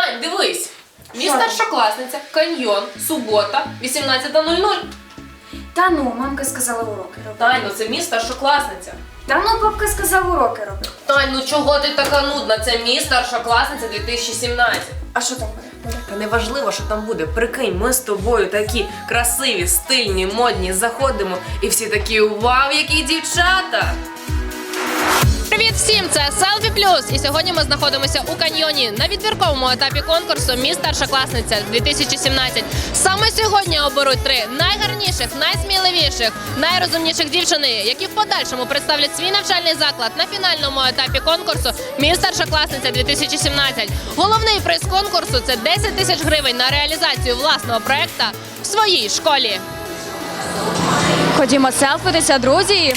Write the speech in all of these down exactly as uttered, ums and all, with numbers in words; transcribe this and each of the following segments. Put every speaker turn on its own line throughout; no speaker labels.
Тань, дивись. Мій старшокласниця, каньйон, субота, вісімнадцята нуль нуль.
Та ну, мамка сказала уроки робити.
Тань, ну це мій старшокласниця.
Та ну, папка сказав уроки робити.
Тань, ну чого ти така нудна? Це мій старшокласниця дві тисячі сімнадцять.
А що там буде?
Та неважливо, що там буде. Прикинь, ми з тобою такі красиві, стильні, модні, заходимо і всі такі вау, які дівчата! Привіт всім! Це Селфі Плюс! І сьогодні ми знаходимося у каньйоні на відбірковому етапі конкурсу «Міс старшокласниця дві тисячі сімнадцять». Саме сьогодні оберуть три найгарніших, найсміливіших, найрозумніших дівчини, які в подальшому представлять свій навчальний заклад на фінальному етапі конкурсу «Міс старшокласниця дві тисячі сімнадцять». Головний приз конкурсу – це десять тисяч гривень на реалізацію власного проєкту в своїй школі.
Ходімо селфитися, друзі!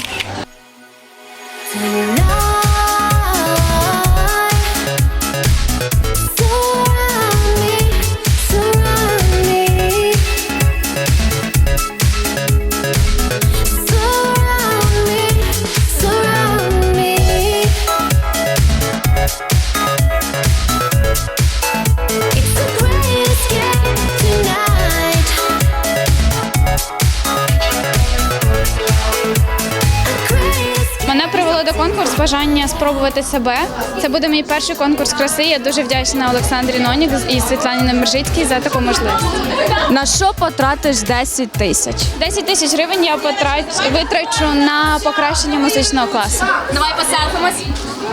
Мене привело до конкурсу бажання спробувати себе. Це буде мій перший конкурс краси. Я дуже вдячна Олександрі Нонік і Світлані Немержицькій за таку можливість.
На що потратиш десять тисяч?
десять тисяч гривень я потрачу, витрачу на покращення музичного класу.
Давай поселфимось.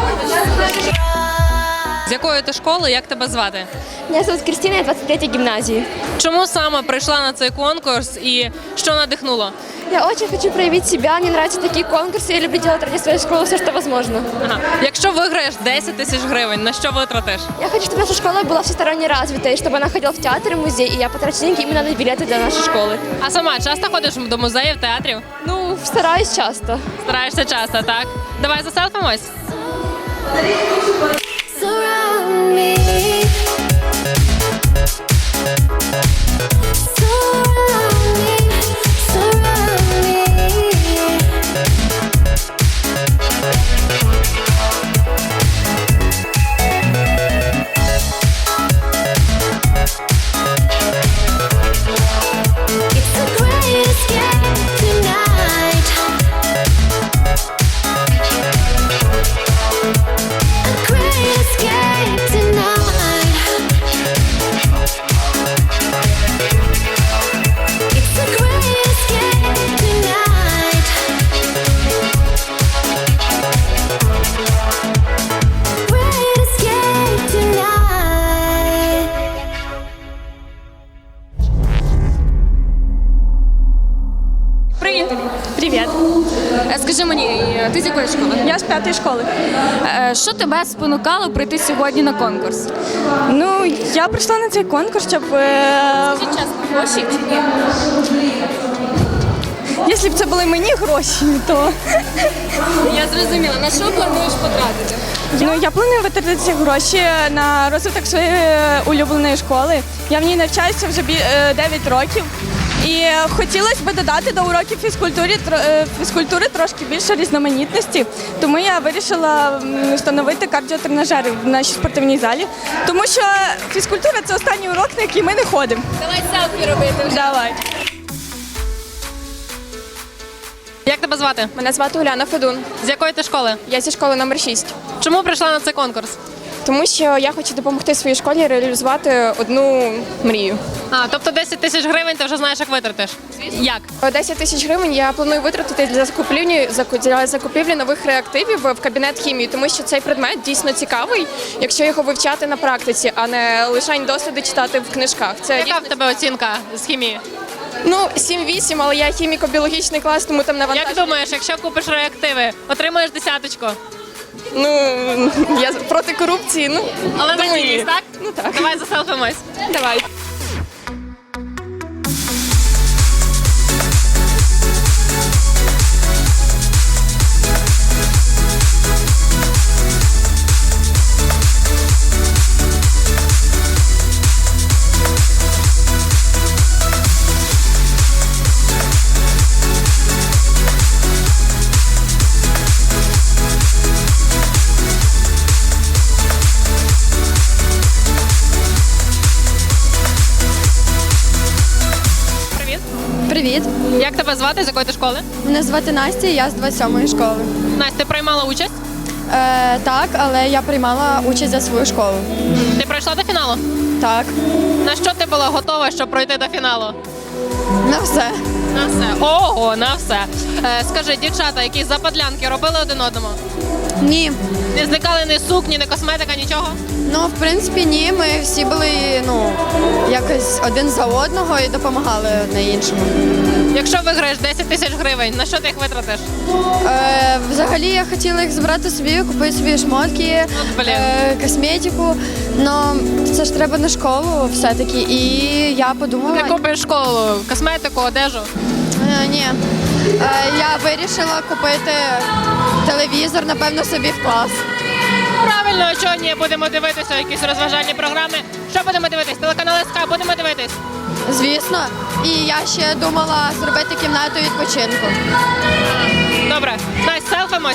З якої ти школи, як тебе звати?
Меня зовут Кристина, я двадцать третьей гимназии.
Чому саме прийшла на цей конкурс і що надихнуло?
Я очень хочу проявить себя, мне нравятся такие конкурсы, я люблю делать ради своей школы все, что возможно.
Ага. Якщо виграєш десять тисяч гривень, на що витратиш?
Я хочу, чтобы наша школа была всесторонне развитой, чтобы она ходила в театр и музей, и я потрачу деньги именно на билеты для нашей школы.
А сама часто ходиш до музеїв, театрів?
Ну, стараюсь часто.
Стараєшся часто, так? Давай заселфимось?
Surround me. Surround me. Surround me. It's the greatest game tonight. A great escape tonight. It's a great escape tonight. Great escape tonight.
Привіт!
Привет.
Скажи мені, ти з якої школи?
Я с пятой школы.
Е, Що тебе спонукало прийти сьогодні на конкурс?
Ну, я прийшла на цей конкурс, щоб... е,
Скажіть чесно, гроші чи ні?
Якщо б це були мені гроші, то...
Я зрозуміла. На що плануєш потратити?
Ну, я планую витратити ці гроші на розвиток своєї улюбленої школи. Я в ній навчаюся вже бі- е, дев'ять років. І хотілося б додати до уроків фізкультури, тро- е, фізкультури трошки більше різноманітності. Тому я вирішила м, встановити кардіотренажери в нашій спортивній залі. Тому що фізкультура – це останній урок, на який ми не ходимо.
Давай селфі робити вже.
Давай.
Як тебе звати?
Мене звати Уляна Федун.
З якої ти школи?
Я зі школи номер шість.
Чому прийшла на цей конкурс?
Тому що я хочу допомогти своїй школі реалізувати одну мрію.
А, тобто десять тисяч гривень ти вже знаєш, як витратиш? Як?
десять тисяч гривень я планую витратити для закупівлі, заку- для закупівлі нових реактивів в кабінет хімії, тому що цей предмет дійсно цікавий, якщо його вивчати на практиці, а не лише досліди читати в книжках. Це
Яка
дійсно...
в тебе оцінка з хімії?
Ну, сім-вісім, але я хіміко-біологічний клас, тому там
Як
навантаження.
думаєш, якщо купиш реактиви, отримаєш десяточку?
Ну, я проти корупції, ну,
Але
думаю,
надіюсь,
ні.
так?
Ну так.
Давай заселфимось.
Давай.
тебе звати? З якої ти школи?
Мене звати Настя, я з двадцять сьомої школи.
Настя, ти приймала участь?
Е, так, але я приймала участь за свою школу.
Ти пройшла до фіналу?
Так,
На що ти була готова, щоб пройти до фіналу?
на все.
На все. Ого, на все. Е, скажи, дівчата, які западлянки робили один одному?
Ні.
Не зникали ні сукні, ні косметика, нічого?
Ну, в принципі, ні. Ми всі були, ну, якось один за одного і допомагали одне іншому.
Якщо виграєш десять тисяч гривень, на що ти їх витратиш?
Е, взагалі я хотіла їх збирати собі, купити собі шмотки,
От, блін.
е, косметику. Но це ж треба на школу все-таки. І я подумала.
Ти купиш школу, косметику, одежу.
Е, ні. Е, я вирішила купити телевізор, напевно, собі в клас.
Правильно, чого ні, будемо дивитися якісь розважальні програми. Що будемо дивитись? Телеканал СК будемо дивитись?
Звісно. І я ще думала зробити кімнату відпочинку.
Добре, Настя, селфимось.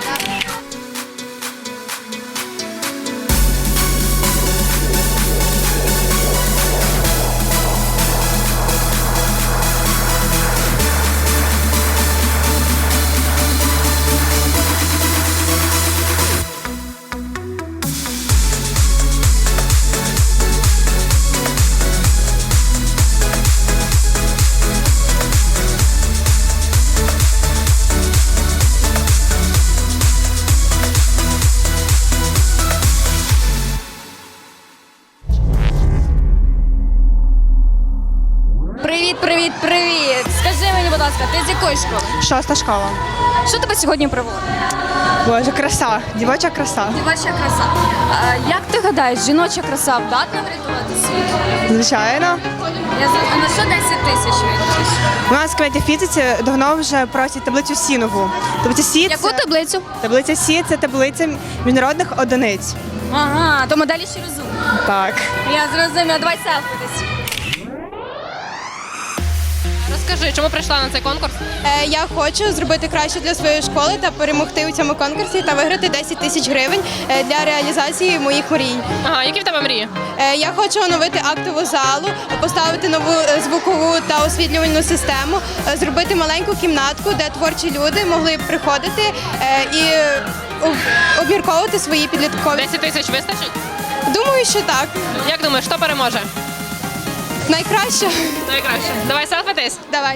Привіт, привіт, привіт! Скажи мені, будь ласка, ти з якої школи?
Шоста школа.
Що тебе сьогодні привело?
Боже, краса, дівоча краса.
Дівоча краса. А, як ти гадаєш, жіноча краса вдатна врятувати світ?
Звичайно.
Я за- а на що десять тисяч віддаєш?
У нас в кабінеті фізиці давно вже просять таблицю Сі нову. Таблиця Сі
Яку
це,
таблицю?
таблиця Сі це таблиця міжнародних одиниць.
Ага, то моделі ще розумні.
Так.
Я зрозуміла, давай селфитись.
Розкажи, чому прийшла на цей конкурс?
Е, Я хочу зробити краще для своєї школи та перемогти у цьому конкурсі та виграти десять тисяч гривень е, для реалізації моїх мрій.
Ага, які в тебе мрії?
Е, Я хочу оновити актову залу, поставити нову е, звукову та освітлювальну систему, е, зробити маленьку кімнатку, де творчі люди могли б приходити е, і е, об- обмірковувати свої підліткові.
десять тисяч вистачить?
Думаю, що так.
Як думаєш, хто переможе?
Найкраще.
Найкраще. Давай селфитись.
Давай.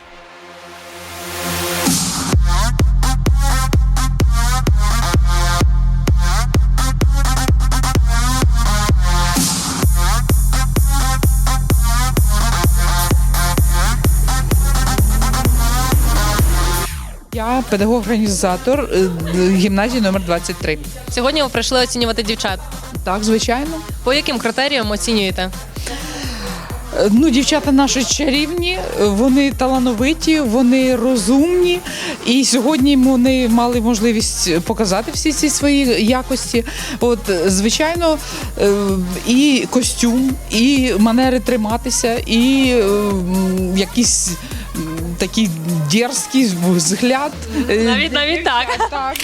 Я педагог-організатор е, гімназії номер двадцять три.
Сьогодні ви прийшли оцінювати дівчат.
Так, звичайно.
По яким критеріям оцінюєте?
Е, Ну, дівчата наші чарівні, е, вони талановиті, вони розумні. І сьогодні вони мали можливість показати всі ці свої якості. От, е, звичайно, е, і костюм, і манери триматися, і е, м, якийсь м, такий дерзкий взгляд. Е,
Навіть навіть так.
Так.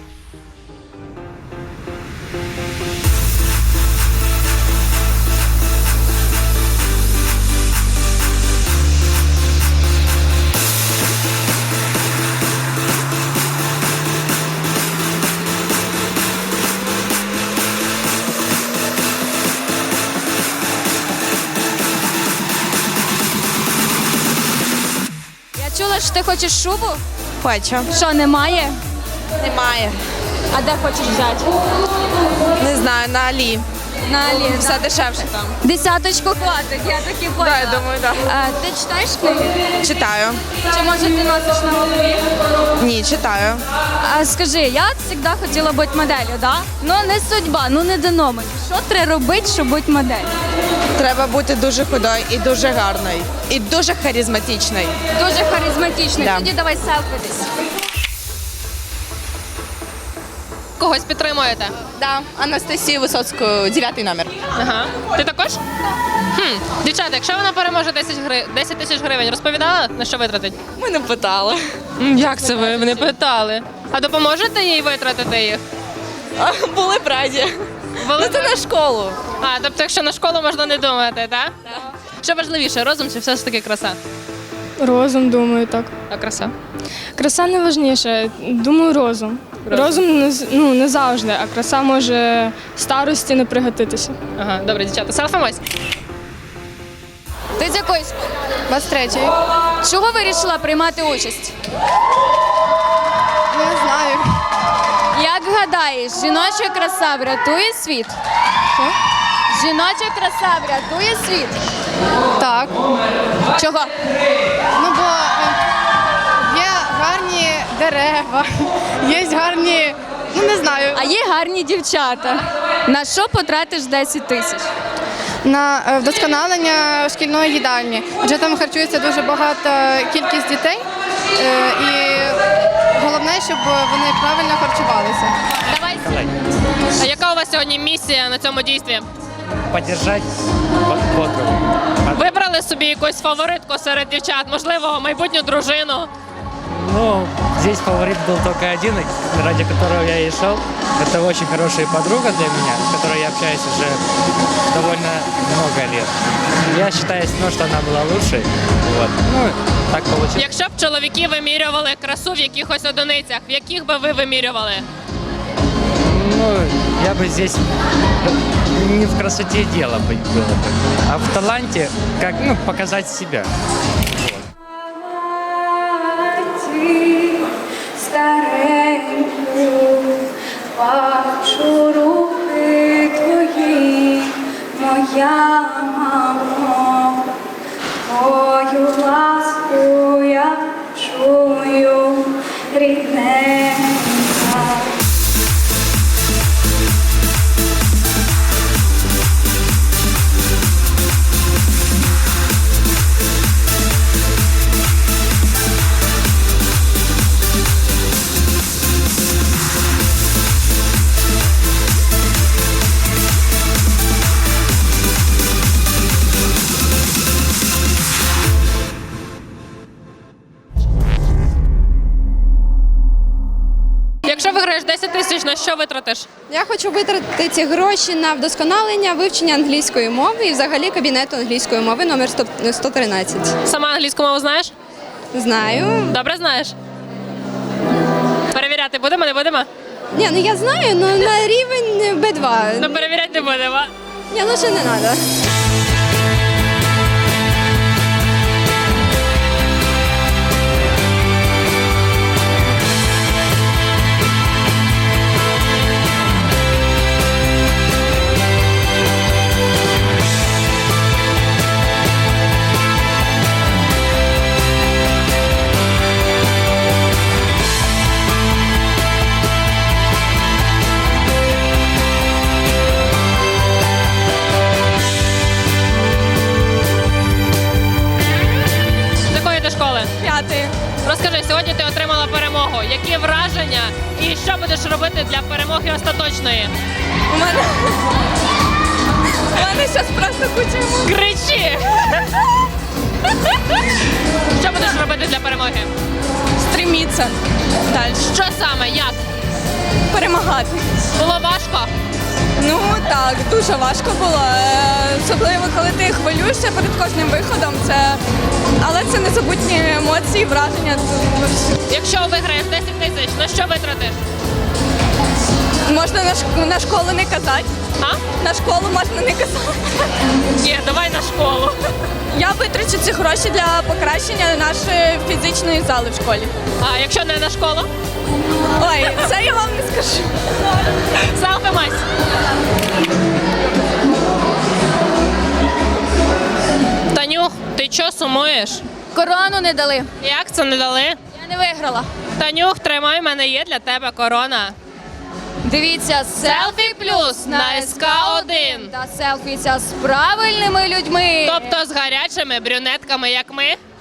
Я чула, що ти хочеш шубу?
Хочу.
Що, немає?
Немає.
А де хочеш взяти?
Не знаю, на Алі.
На Алі.
Все дешевше там.
Десяточку хватить, я так і поняла.
я думаю, да.
А, ти читаєш книги?
Читаю.
Чи може ти носиш на голові?
Ні, читаю.
А скажи, я завжди хотіла бути моделлю, да? Ну не судьба, ну не дано мені. Що треба робити, щоб бути моделлю?
Треба бути дуже худою і дуже гарною. І дуже харизматичною.
Дуже харизматично.
Да.
Тоді давай селфитись.
Когось підтримуєте?
Да, Анастасію Висоцьку, дев'ятий номер.
Ага. Ти також? Хм. Дівчата, якщо вона переможе десять гри... десять тисяч гривень, розповідала, на що витратить?
Ми не питали.
М, Як це ви не питали? А допоможете їй витратити їх?
Були б раді.
Були
Це на школу.
А, тобто, якщо на школу можна не думати, так? Так. Що важливіше, розум чи все ж таки краса?
Розум, думаю, так.
А краса?
Краса не важніше, думаю, розум.
Розум.
Розум, не, з- ну, не завжди, а краса може старості не пригодитися.
Ага, добре, дівчата. Селфимось.
Ти з якої школи?
двадцять третій.
Чого вирішила приймати участь?
Не знаю.
Як гадаєш, жіноча краса врятує світ? Жіноча краса врятує світ.
Так.
Чого?
Ну бо е, є гарні дерева, є гарні, ну не знаю,
А є гарні дівчата. На що потратиш десять тисяч?
на е, вдосконалення шкільної їдальні. Адже там харчується дуже багата кількість дітей. е, І головне, щоб вони правильно харчувалися.
Давай.
А яка у вас сьогодні місія на цьому дійстві?
Поддержать под- подругу.
Вибрали собі якусь фаворитку серед дівчат, можливо, майбутню дружину.
Ну, здесь фаворит был только один, ради которого я и шел. Это очень хорошая подруга для меня, с которой я общаюсь уже довольно много лет. Я считаю, ну, что она была лучшей. Вот. Ну, так получилось.
Якщо б чоловіки вимірювали красу в якихось одиницях, в яких би ви вимірювали?
Ну, я бы здесь не в красоте дело бы было бы, а в таланте, как, ну, показать себя.
Бачу руки твої, моя мамо, твою ласку я чую, рідненька.
Якщо виграєш десять тисяч, на що витратиш?
Я хочу витратити ці гроші на вдосконалення вивчення англійської мови і взагалі кабінету англійської мови номер сто тринадцять.
Сама англійську мову знаєш?
Знаю.
Добре знаєш? Перевіряти будемо, не будемо?
Ні, ну я знаю, але на рівень Б два.
Ну перевіряти не будемо.
Ні, лише не треба.
З якої ти школи?
П'ятий.
Розкажи, сьогодні ти отримала перемогу. Які враження і що будеш робити для перемоги остаточної?
У мене. У мене зараз просто куча емоцій.
Кричи! Що будеш робити для перемоги?
Стреміться далі.
Що саме? Як?
Перемагати.
Було важко?
Ну так, дуже важко було. Е, Особливо, коли ти хвилюєшся перед кожним виходом. Це... Але це незабутні емоції, враження.
Якщо виграєш десять тисяч, на що витратиш?
Можна на, ш- на школу не казати.
А?
На школу можна не казати.
Ні, давай на школу.
Я витрачу ці гроші для покращення нашої фізичної зали в школі.
А якщо не на школу?
Ой, це я вам не скажу.
Селфимось. Танюх, ти чого сумуєш?
Корону не дали.
Як це не дали?
Я не виграла.
Танюх, тримай, в мене є для тебе корона.
Дивіться
Селфі плюс на ес ка один.
та селфіся з правильними людьми.
Тобто з гарячими брюнетками, як ми.